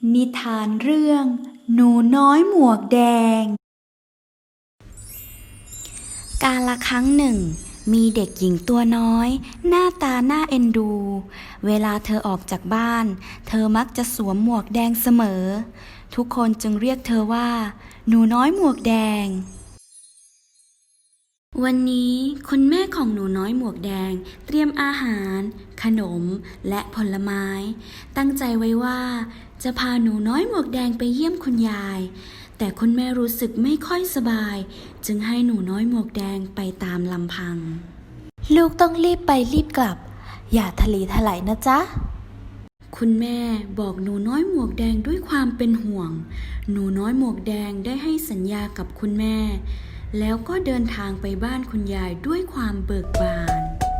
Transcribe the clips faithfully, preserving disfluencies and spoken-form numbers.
นิทานเรื่อง หนูน้อยหมวกแดง กาลครั้งหนึ่งมีเด็กหญิงตัวน้อยหน้าตาน่าเอ็นดู เวลาเธอออกจากบ้านเธอมักจะสวมหมวกแดงเสมอ ทุกคนจึงเรียกเธอว่า หนูน้อยหมวกแดง วันนี้คุณแม่ของหนูน้อยหมวกแดงเตรียมอาหาร ขนมและผลไม้ ตั้งใจไว้ว่าจะพาหนูน้อยหมวกแดงไปเยี่ยมคุณยาย แต่คุณแม่รู้สึกไม่ค่อยสบายจึงให้หนูน้อยหมวกแดงไปตามลำพังลูกต้องรีบไปรีบกลับอย่าทะเลทลายนะจ๊ะคุณแม่บอกหนูน้อยหมวกแดงด้วยความเป็นห่วงหนูน้อยหมวกแดงได้ให้สัญญากับคุณแม่แล้วก็เดินทางไปบ้านคุณยายด้วยความเบิกบาน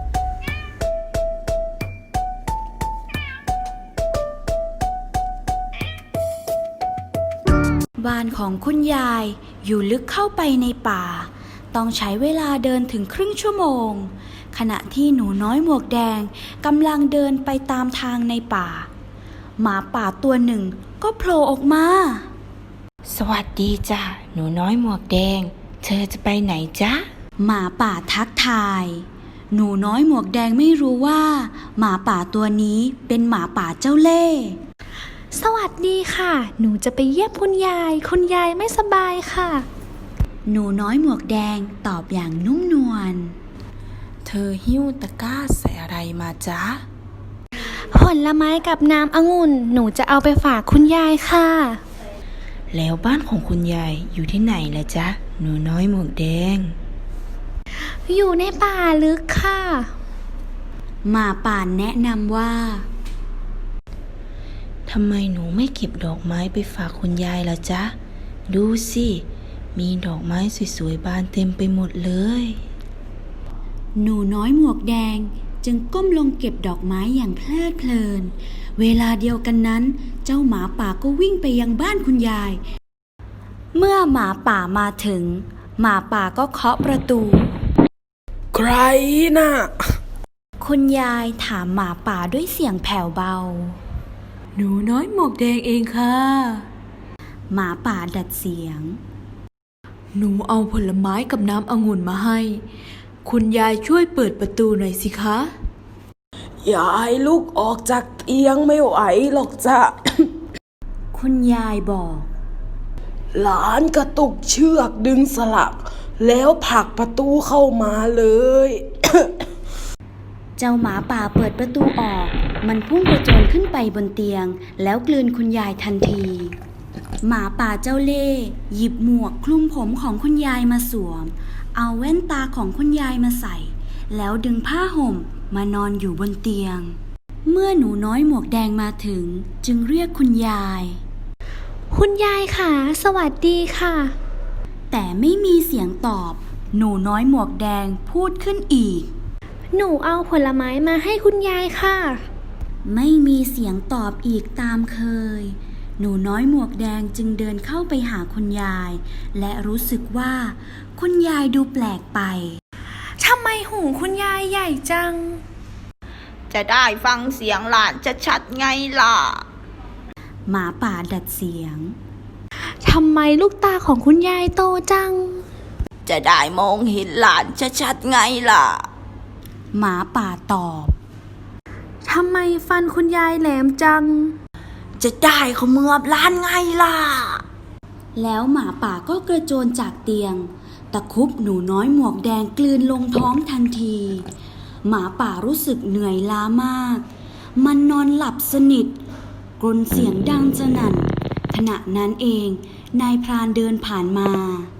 บ้านของคุณยายอยู่ลึกเข้าไปในป่าต้องใช้เวลาเดินถึงครึ่งชั่วโมงขณะที่หนูน้อยหมวกแดงกำลังเดินไปตามทางในป่าหมาป่าตัวหนึ่งก็โผล่ออกมาสวัสดีจ้ะหนูน้อยหมวกแดงเธอจะไปไหนจ๊ะหมาป่าทักทายหนูน้อยหมวกแดงไม่รู้ว่าหมาป่าตัวนี้เป็นหมาป่าเจ้าเล่ห์สวัสดีค่ะหนูจะไปเยี่ยมคุณยายคุณยายไม่สบายค่ะหนูน้อยหมวกแดงตอบอย่างนุ่มนวลเธอหิ้วตะกร้าใส่อะไรมาจ๊ะผลไม้กับน้ำองุ่นหนูจะเอาไปฝากคุณยายค่ะแล้วบ้านของคุณยายอยู่ที่ไหนล่ะจ๊ะหนูน้อยหมวกแดงอยู่ในป่าลึกค่ะหมาป่าแนะนำว่าทำไมหนูไม่เก็บดอกไม้ไปฝากคุณยายล่ะจ๊ะดูสิมีดอกไม้สวยๆบานเต็มไปหมดเลยหนูน้อยหมวกแดงจึงก้มลงเก็บดอกไม้อย่างเพลิดเพลินเวลาเดียวกันนั้นเจ้าหมาป่าก็วิ่งไปยังบ้านคุณยายเมื่อหมาป่ามาถึงหมาป่าก็เคาะประตูใครน่ะคุณยายถามหมาป่าด้วยเสียงแผ่วเบาหนูน้อยหมวกแดงเองค่ะหมาป่าดัดเสียงหนูเอาผลไม้กับน้ำองุ่นมาให้คุณยายช่วยเปิดประตูหน่อยสิคะยายลุกออกจากเตียงไม่ไหวหรอกจ้ะคุณยายบอกหลานกระตุกเชือกดึงสลักแล้วผลักประตูเข้ามาเลยเจ้าหมาป่าเปิดประตูออกมันพุ่งกระโจนขึ้นไปบนเตียงแล้วกลืนคุณยายทันทีหมาป่าเจ้าเล่ห์หยิบหมวกคลุมผมของคุณยายมาสวมเอาแว่นตาของคุณยายมาใส่แล้วดึงผ้าห่มมานอนอยู่บนเตียงเมื่อหนูน้อยหมวกแดงมาถึงจึงเรียกคุณยายคุณยายค่ะสวัสดีค่ะแต่ไม่มีเสียงตอบหนูน้อยหมวกแดงพูดขึ้นอีกหนูเอาผลไม้มาให้คุณยายค่ะไม่มีเสียงตอบอีกตามเคยหนูน้อยหมวกแดงจึงเดินเข้าไปหาคุณยายและรู้สึกว่าคุณยายดูแปลกไปทำไมหูคุณยายใหญ่จังจะได้ฟังเสียงหลานจะชัดไงล่ะหมาป่าดัดเสียงทำไมลูกตาของคุณยายโตจังจะได้มองเห็นหลานจะชัดไงล่ะหมาป่าตอบทำไมฟันคุณยายแหลมจังจะได้เขมือบหลานไงล่ะแล้วหมาป่าก็กระโจนจากเตียงตะคุบหนูน้อยหมวกแดงกลืนลงท้องทันทีหมาป่ารู้สึกเหนื่อยล้ามากมันนอนหลับสนิทกรนเสียงดังสนั่นขณะนั้นเองนายพรานเดินผ่านมา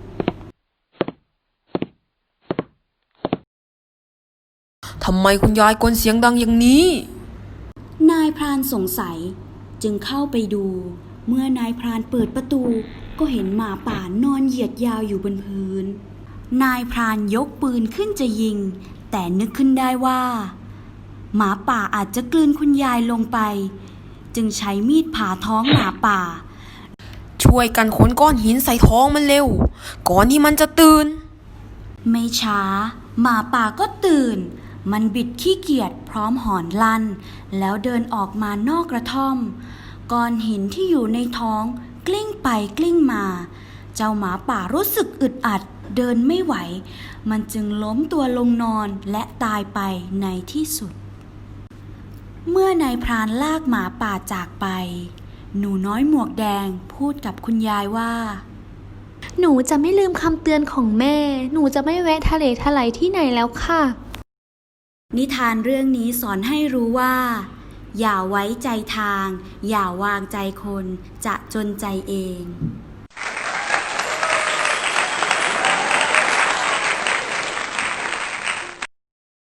ทำไมคุณยายกรนเสียงดังอย่างนี้นายพรานสงสัยจึงเข้าไปดูเมื่อนายพรานเปิดประตูก็เห็นหมาป่านอนเหยียดยาวอยู่บนพื้นนายพรานยกปืนขึ้นจะยิงแต่นึกขึ้นได้ว่าหมาป่าอาจจะกลืนคุณยายลงไปจึงใช้มีดผ่าท้องหมาป่าช่วยกันขนก้อนหินใส่ท้องมันเร็วก่อนที่มันจะตื่นไม่ช้าหมาป่าก็ตื่นมันบิดขี้เกียจพร้อมหอนลั่นแล้วเดินออกมานอกกระท่อมก้อนหินที่อยู่ในท้องกลิ้งไปกลิ้งมา เจ้าหมาป่ารู้สึกอึดอัดเดินไม่ไหว มันจึงล้มตัวลงนอนและตายไปในที่สุด เมื่อนายพรานลากหมาป่าจากไป หนูน้อยหมวกแดงพูดกับคุณยายว่าหนูจะไม่ลืมคำเตือนของแม่ หนูจะไม่แวะทะเลทลายที่ไหนแล้วค่ะนิทานเรื่องนี้สอนให้รู้ว่า อย่าไว้ใจทาง อย่าวางใจคนจะจนใจเอง